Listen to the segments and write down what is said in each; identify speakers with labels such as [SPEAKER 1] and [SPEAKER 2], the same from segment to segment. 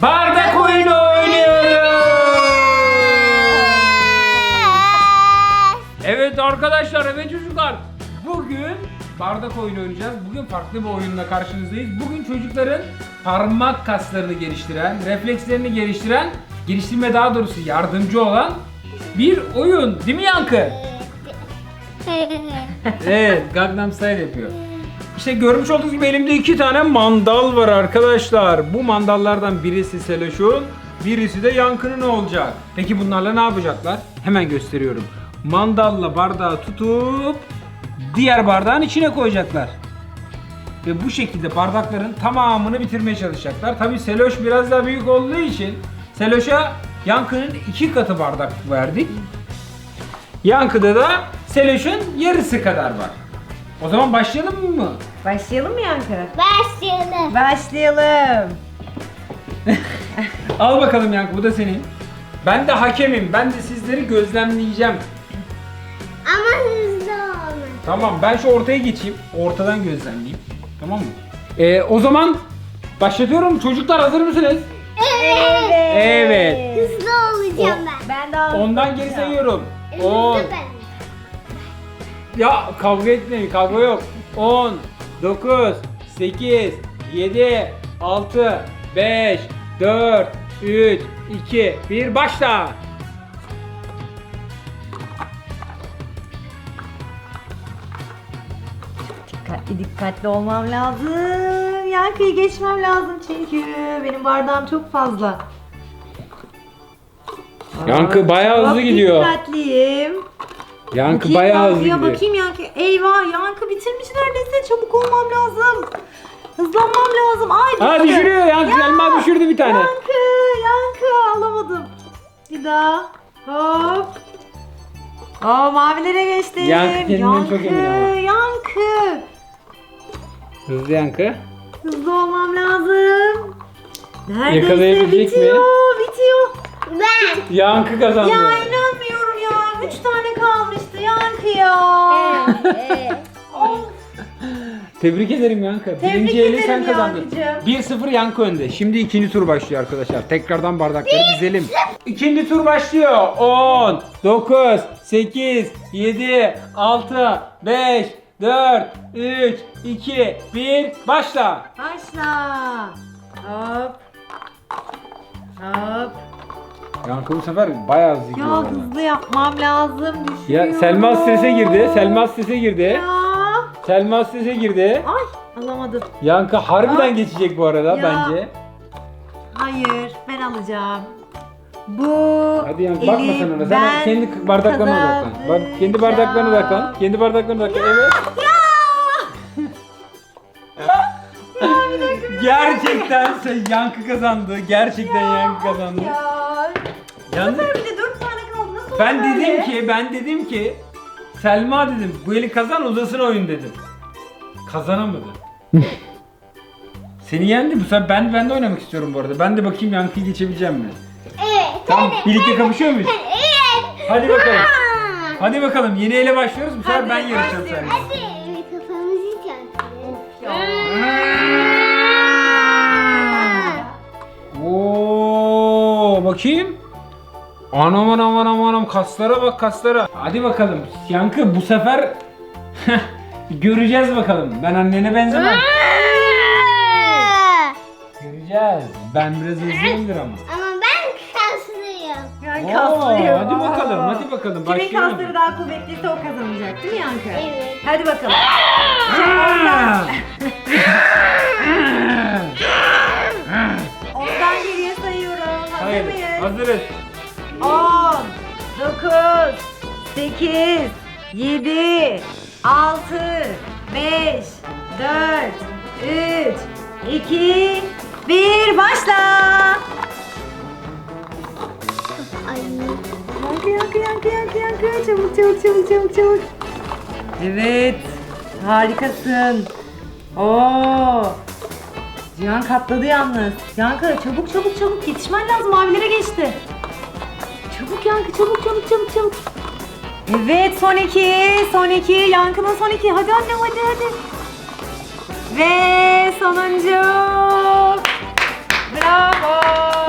[SPEAKER 1] bardak oyunu oynuyoruz. Evet arkadaşlar, evet çocuklar. Bugün bardak oyunu oynayacağız. Bugün farklı bir oyunla karşınızdayız. Bugün çocukların parmak kaslarını geliştiren, reflekslerini geliştirme daha doğrusu yardımcı olan bir oyun. Değil mi Yankı? Evet, Gangnam Style yapıyor. İşte görmüş olduğunuz gibi elimde 2 tane mandal var arkadaşlar. Bu mandallardan birisi Seloş'un, birisi de Yankı'nın olacak. Peki bunlarla ne yapacaklar? Hemen gösteriyorum. Mandalla bardağı tutup diğer bardağın içine koyacaklar. Ve bu şekilde bardakların tamamını bitirmeye çalışacaklar. Tabii Seloş biraz daha büyük olduğu için Seloş'a Yankı'nın 2 katı bardak verdik. Yankı'da da Seloş'un yarısı kadar var. O zaman başlayalım mı?
[SPEAKER 2] Başlayalım mı Yankı?
[SPEAKER 3] Başlayalım.
[SPEAKER 2] Başlayalım.
[SPEAKER 1] Al bakalım Yankı, bu da senin. Ben de hakemim. Ben de sizleri gözlemleyeceğim.
[SPEAKER 3] Ama hızlı olma.
[SPEAKER 1] Tamam, ben şu ortaya geçeyim. Ortadan gözlemleyeyim. Tamam mı? O zaman başlatıyorum. Çocuklar hazır mısınız? Evet.
[SPEAKER 3] Hızlı olacağım ben.
[SPEAKER 2] Ben daha
[SPEAKER 1] Ondan geri sayıyorum.
[SPEAKER 3] Hızlı
[SPEAKER 1] 10.
[SPEAKER 3] ben.
[SPEAKER 1] Ya kavga etmeyin, kavga yok. 10, 9, 8, 7, 6, 5, 4, 3, 2, 1, başla.
[SPEAKER 2] dikkatli olmam lazım. Yankı'yı geçmem lazım çünkü benim bardağım çok fazla.
[SPEAKER 1] Yankı bayağı
[SPEAKER 2] çok
[SPEAKER 1] hızlı gidiyor.
[SPEAKER 2] Dikkatliyim.
[SPEAKER 1] Yankı
[SPEAKER 2] Bakayım
[SPEAKER 1] bayağı hızlı
[SPEAKER 2] Yankı'ya,
[SPEAKER 1] gidiyor.
[SPEAKER 2] bakayım Yankı. Eyvah, Yankı bitirmiş neredeyse. Çabuk olmam lazım. Hızlanmam lazım. Ay
[SPEAKER 1] Ha,
[SPEAKER 2] düştü.
[SPEAKER 1] düşürüyor Yankı.
[SPEAKER 2] Ya,
[SPEAKER 1] Selma düşürdü bir tane.
[SPEAKER 2] Yankı alamadım. Bir daha. Hop. Mavilere geçtim.
[SPEAKER 1] Yankı kendinden çok emin ama.
[SPEAKER 2] Yankı.
[SPEAKER 1] Hızlı Yankı.
[SPEAKER 2] Hızlı olmam lazım. Neredeyse
[SPEAKER 1] Yakalayabilecek
[SPEAKER 2] bitiyor.
[SPEAKER 1] mi?
[SPEAKER 2] Bitiyor.
[SPEAKER 3] Ben.
[SPEAKER 1] Yankı kazandı.
[SPEAKER 2] Ya inanmıyorum ya. 3 tane kalmıştı Yankı ya. Of.
[SPEAKER 1] Tebrik ederim Yankı.
[SPEAKER 2] Tebrik
[SPEAKER 1] Birinci eli sen
[SPEAKER 2] ederim
[SPEAKER 1] kazandın.
[SPEAKER 2] Yankıcığım.
[SPEAKER 1] 1-0 Yankı önde. Şimdi ikinci tur başlıyor arkadaşlar. Tekrardan bardakları dizelim. İkinci tur başlıyor. 10, 9, 8, 7, 6, 5, 4, 3, 2, 1, başla.
[SPEAKER 2] Başla. Hop. Hop.
[SPEAKER 1] Yankı bu sefer bayağı hızlı gidiyor.
[SPEAKER 2] Ya
[SPEAKER 1] valla.
[SPEAKER 2] hızlı yapmam lazım. Düşüyor.
[SPEAKER 1] Ya Selma strese girdi. Selma strese girdi.
[SPEAKER 2] Ya.
[SPEAKER 1] Selma strese girdi.
[SPEAKER 2] Ay alamadım.
[SPEAKER 1] Yankı harbiden
[SPEAKER 2] Ay.
[SPEAKER 1] geçecek bu arada
[SPEAKER 2] Ya.
[SPEAKER 1] bence.
[SPEAKER 2] Hayır ben alacağım. Bu
[SPEAKER 1] Hadi Yankı bakma sen ona. Sen kendi bardaklarına odaklan. Kendi bardaklarına odaklan. Kendi bardaklarına odaklan. Evet. Gerçekten Yankı kazandı. Gerçekten Yankı kazandı.
[SPEAKER 2] Ya.
[SPEAKER 1] Yalnız
[SPEAKER 2] Bir de 4 tane kaldı. Nasıl
[SPEAKER 1] ben
[SPEAKER 2] oldu böyle?
[SPEAKER 1] dedim ki Selma dedim bu eli kazan uzasın oyun dedim. Kazanamadı. Seni yendi bu sefer ben de oynamak istiyorum bu arada. Ben de bakayım Yankı'yı geçebileceğim mi?
[SPEAKER 3] Evet.
[SPEAKER 1] Tamam, birlikte kapışıyor muyuz?
[SPEAKER 3] Evet.
[SPEAKER 1] Hadi bakalım.
[SPEAKER 3] Aa.
[SPEAKER 1] Hadi bakalım, yeni ele başlıyoruz. Bu sefer
[SPEAKER 2] Hadi,
[SPEAKER 1] ben yarışacağım
[SPEAKER 2] başlıyoruz.
[SPEAKER 1] seninle.
[SPEAKER 3] Hadi kafamızı çarpalım.
[SPEAKER 1] Oo, bakayım. Anam kaslara bak, kaslara. Hadi bakalım Yankı, bu sefer göreceğiz bakalım. Ben annene benzemem. Göreceğiz. Ben biraz hızlıyımdır ama.
[SPEAKER 3] Ama ben kaslıyım.
[SPEAKER 2] Yani
[SPEAKER 1] Oo,
[SPEAKER 2] kaslıyım.
[SPEAKER 1] hadi bakalım, hadi bakalım.
[SPEAKER 2] Kimin
[SPEAKER 1] Başlayalım.
[SPEAKER 2] kasları daha kuvvetliyse o kazanacak değil mi Yankı?
[SPEAKER 3] Evet.
[SPEAKER 2] Hadi bakalım.
[SPEAKER 1] Aa!
[SPEAKER 2] Ondan geriye sayıyorum. Hazır
[SPEAKER 1] Hayır,
[SPEAKER 2] mıyız?
[SPEAKER 1] hazırız.
[SPEAKER 2] 10, 9, 8, 7, 6, 5, 4, 3, 2, 1, başla.
[SPEAKER 3] Ay.
[SPEAKER 2] Yankı. Çabuk. Evet, harikasın. Oo. Cihan katladı yalnız. Yankı çabuk yetişmen lazım, mavilere geçti. Çabuk Yankı, çabuk. Evet, son iki. Yankı'nın son iki. Hadi annem, hadi. Ve sonuncu. Bravo.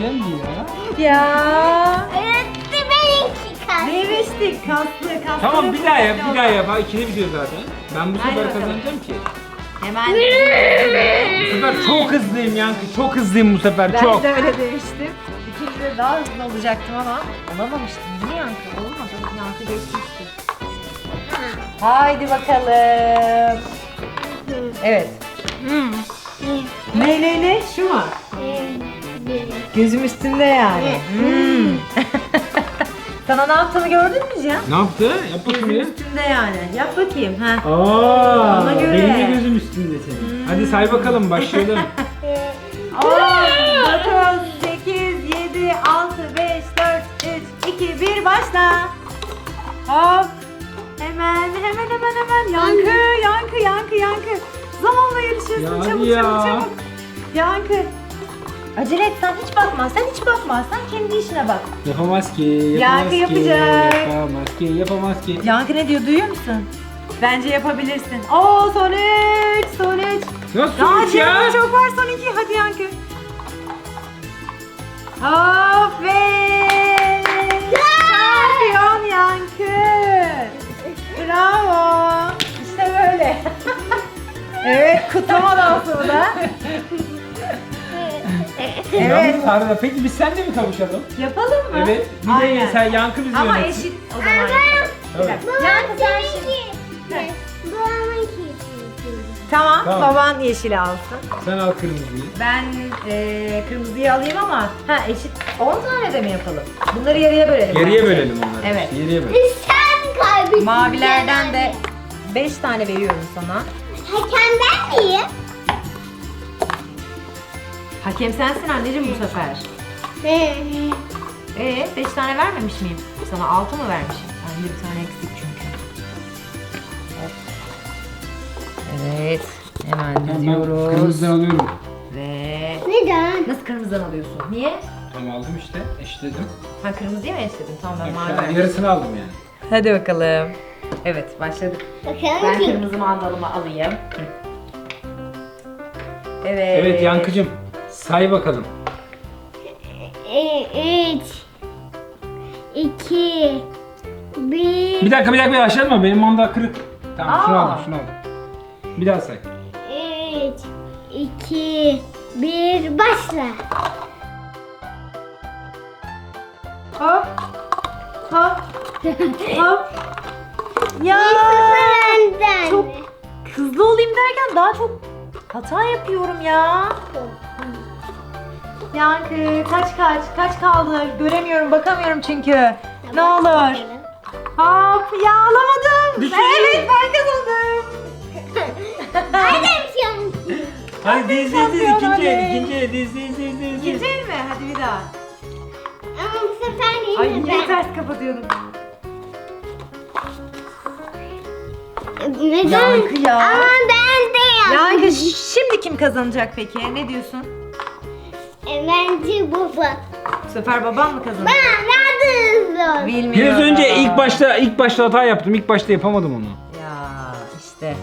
[SPEAKER 1] güzeldi ya.
[SPEAKER 2] Ya.
[SPEAKER 3] Evet, benimki kalsın.
[SPEAKER 2] Demiştik kaslı.
[SPEAKER 1] Tamam bir daha yap, bir daha yap. Ha, İkili bitiyor zaten. Ben bu
[SPEAKER 2] Hadi
[SPEAKER 1] sefer
[SPEAKER 2] bakalım.
[SPEAKER 1] kazanacağım ki.
[SPEAKER 2] Hemen.
[SPEAKER 1] Bu sefer çok hızlıyım Yankı. Çok hızlıyım bu sefer.
[SPEAKER 2] Ben
[SPEAKER 1] Çok.
[SPEAKER 2] de öyle demiştim. İkinci de daha hızlı olacaktım ama olamamıştım. Niye Yankı? Olmadı. Yankı geçmişti. Haydi bakalım. Evet. Ne? Şu mu? Gözüm üstünde yani. Sana ne yaptığını gördün mü Cihan?
[SPEAKER 1] Ne yaptı? Yap bakayım
[SPEAKER 2] Gözüm
[SPEAKER 1] ya.
[SPEAKER 2] üstünde yani. Yap bakayım. Ha.
[SPEAKER 1] Aa,
[SPEAKER 2] Ona göre.
[SPEAKER 1] benim de gözüm üstünde senin. Hadi say bakalım, başlayalım.
[SPEAKER 2] 10, 9, 8, 7, 6, 5, 4, 3, 2, 1 başla. Hop. Hemen. Yankı. Zamanla yarışıyorsun.
[SPEAKER 1] Ya hadi
[SPEAKER 2] Çabuk. Yankı. Acele et, sen hiç bakma. Sen kendi işine bak.
[SPEAKER 1] Yapamaz ki,
[SPEAKER 2] Yankı yapacak.
[SPEAKER 1] Yapamaz ki.
[SPEAKER 2] Yankı ne diyor, duyuyor musun? Bence yapabilirsin. Oo, son 3.
[SPEAKER 1] Nasıl
[SPEAKER 2] Daha
[SPEAKER 1] sonuç ya?
[SPEAKER 2] Cihan'da çok var, son 2. Hadi Yankı. Aferin. Şampiyon Yankı. Bravo. İşte böyle. Evet, kutlama dansı bu da. Evet.
[SPEAKER 1] Yalnız Arda, peki biz seninle mi kavuşalım?
[SPEAKER 2] Yapalım mı?
[SPEAKER 1] Evet. Bir de
[SPEAKER 2] Aynen.
[SPEAKER 1] sen Yankı bizi
[SPEAKER 2] Ama
[SPEAKER 1] yönetsin.
[SPEAKER 2] eşit o zaman yapalım. Bir
[SPEAKER 1] Evet.
[SPEAKER 2] dakika. Yankı sen şimdi.
[SPEAKER 3] Babamınki.
[SPEAKER 2] Tamam,
[SPEAKER 1] Tamam.
[SPEAKER 2] baban yeşili alsın.
[SPEAKER 1] Sen al kırmızıyı.
[SPEAKER 2] Ben kırmızıyı alayım ama eşit 10 tane de mi yapalım? Bunları yarıya bölelim.
[SPEAKER 1] Yarıya
[SPEAKER 2] bence.
[SPEAKER 1] bölelim onları.
[SPEAKER 2] Evet.
[SPEAKER 1] Yarıya bölelim.
[SPEAKER 3] Sen kaybettin.
[SPEAKER 2] Mavilerden de 5 tane veriyorum sana.
[SPEAKER 3] Hakem ben miyim?
[SPEAKER 2] Hakem sensin anneciğim bu sefer. 5 tane vermemiş miyim? Sana 6 mı vermişim? Bende bir tane eksik çünkü. Hop. Evet. Hemen
[SPEAKER 1] Tamam, ben
[SPEAKER 2] diziyoruz.
[SPEAKER 1] kırmızıdan alıyorum.
[SPEAKER 2] Ve
[SPEAKER 3] Neden?
[SPEAKER 2] nasıl kırmızıdan alıyorsun? Niye?
[SPEAKER 1] Tamam aldım işte. Eşitledim.
[SPEAKER 2] Ha, kırmızıyı mı eşledin? Tamam, ben mavi
[SPEAKER 1] Yani
[SPEAKER 2] verdim.
[SPEAKER 1] yarısını aldım yani.
[SPEAKER 2] Hadi bakalım. Evet, başladık. Ben
[SPEAKER 3] Bakalım kim?
[SPEAKER 2] kırmızı mandalımı alayım. Evet.
[SPEAKER 1] Evet Yankıcığım. Say bakalım.
[SPEAKER 3] 3 2 1
[SPEAKER 1] Bir dakika başladın mı? Benim mandal kırık. Tamam şunu
[SPEAKER 2] Aa.
[SPEAKER 1] aldım. Bir daha say.
[SPEAKER 3] 3 2 1 başla.
[SPEAKER 2] Hop. Hop. Hop. Ya.
[SPEAKER 3] Benden.
[SPEAKER 2] Çok hızlı olayım derken daha çok hata yapıyorum ya. Yankı kaç kaldı? Göremiyorum, bakamıyorum çünkü. Ne olur. Hop, ya alamadım.
[SPEAKER 1] Düşün.
[SPEAKER 2] Evet, ben kazandım.
[SPEAKER 3] Hadi bir şey olmuş.
[SPEAKER 1] Hadi diz
[SPEAKER 2] şampiyon
[SPEAKER 1] ikinci el,
[SPEAKER 2] oley.
[SPEAKER 1] ikinci el, diz.
[SPEAKER 2] İkinci el mi? Hadi bir daha.
[SPEAKER 3] Ama bu sefer
[SPEAKER 2] Ay,
[SPEAKER 3] yine
[SPEAKER 2] niye
[SPEAKER 3] ben.
[SPEAKER 2] ters kapatıyordum?
[SPEAKER 3] Neden?
[SPEAKER 2] Yankı ya.
[SPEAKER 3] Ama ben de yaptım.
[SPEAKER 2] Yankı, şimdi kim kazanacak peki? Ne diyorsun?
[SPEAKER 3] Bence baba.
[SPEAKER 2] Bu sefer babam mı kazanacak?
[SPEAKER 3] Ben nerede hızlı?
[SPEAKER 2] Bilmiyorum.
[SPEAKER 1] Biraz önce ilk başta hata yaptım. İlk başta yapamadım onu.
[SPEAKER 2] Ya işte.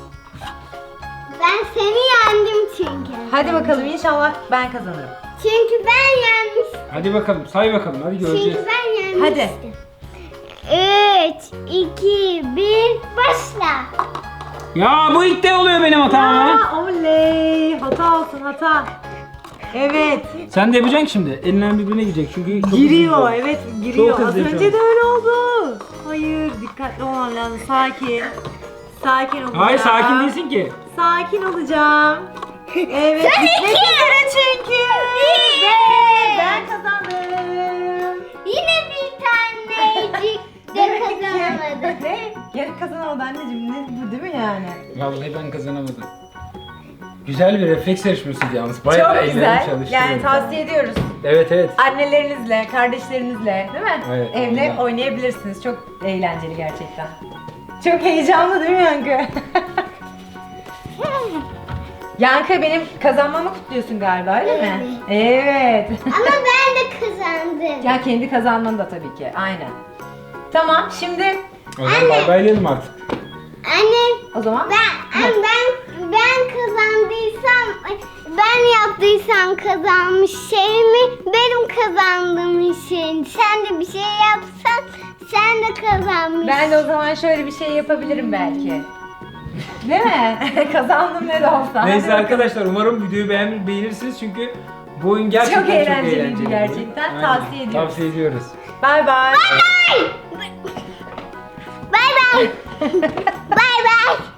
[SPEAKER 3] Ben seni yendim çünkü.
[SPEAKER 2] Hadi bakalım, inşallah ben kazanırım.
[SPEAKER 3] Çünkü ben yenmiştim.
[SPEAKER 1] Hadi bakalım, say bakalım. Hadi göreceğiz.
[SPEAKER 3] Çünkü ben yenmiştim.
[SPEAKER 2] Hadi.
[SPEAKER 3] 3 2 1 başla.
[SPEAKER 1] Ya bu ilk de oluyor benim hatam ama.
[SPEAKER 2] Aa, oley. Hata olsun, hata. Evet.
[SPEAKER 1] Sen de yapacaksın şimdi. Elinden birbirine girecek çünkü çok
[SPEAKER 2] Giriyor,
[SPEAKER 1] hızlı.
[SPEAKER 2] evet giriyor.
[SPEAKER 1] Çok
[SPEAKER 2] Az
[SPEAKER 1] hızlı şu
[SPEAKER 2] önce
[SPEAKER 1] an.
[SPEAKER 2] de öyle oldu. Hayır, dikkatli olman lazım. Sakin. Sakin olacağım.
[SPEAKER 1] Hayır sakin değilsin ki.
[SPEAKER 2] Sakin olacağım. Evet, gitmek üzere çünkü. Ve ben kazandım.
[SPEAKER 3] Yine bir tanecik de kazanamadım.
[SPEAKER 2] Ne? Yarı kazanamadı anneciğim. Ne bu, değil mi yani?
[SPEAKER 1] Vallahi ben kazanamadım. Güzel bir refleks yarışmasıydı yalnız. Bayağı
[SPEAKER 2] Çok
[SPEAKER 1] ellerim
[SPEAKER 2] güzel.
[SPEAKER 1] çalıştı
[SPEAKER 2] Yani
[SPEAKER 1] benim.
[SPEAKER 2] tavsiye ediyoruz.
[SPEAKER 1] Evet.
[SPEAKER 2] Annelerinizle, kardeşlerinizle, değil mi?
[SPEAKER 1] Evet,
[SPEAKER 2] Evde
[SPEAKER 1] aynen.
[SPEAKER 2] oynayabilirsiniz. Çok eğlenceli gerçekten. Çok heyecanlı değil mi Yankı? Yankı, benim kazanmamı kutluyorsun galiba, öyle mi? Evet.
[SPEAKER 3] Ama ben de kazandım.
[SPEAKER 2] Ya kendi kazanman da tabii ki. Aynen. Tamam, şimdi
[SPEAKER 1] O zaman bay baylayalım artık.
[SPEAKER 3] Anne
[SPEAKER 2] o zaman
[SPEAKER 3] ben kazandıysam ben yaptıysam kazanmış şeyimi benim kazandım için. Sen de bir şey yapsan sen de kazanmışsın.
[SPEAKER 2] Ben de o zaman şöyle bir şey yapabilirim belki. Değil mi? Kazandım ne de olsa.
[SPEAKER 1] Neyse
[SPEAKER 2] Hadi
[SPEAKER 1] arkadaşlar umarım videoyu beğenirsiniz çünkü bu oyun gerçekten
[SPEAKER 2] Çok
[SPEAKER 1] çok
[SPEAKER 2] eğlenceliydi
[SPEAKER 1] eğlenceli.
[SPEAKER 2] gerçekten.
[SPEAKER 1] Aynen.
[SPEAKER 2] Tavsiye ediyoruz.
[SPEAKER 1] Tavsiye ediyoruz.
[SPEAKER 2] Bay bay.
[SPEAKER 3] Bay bay. Bay bay.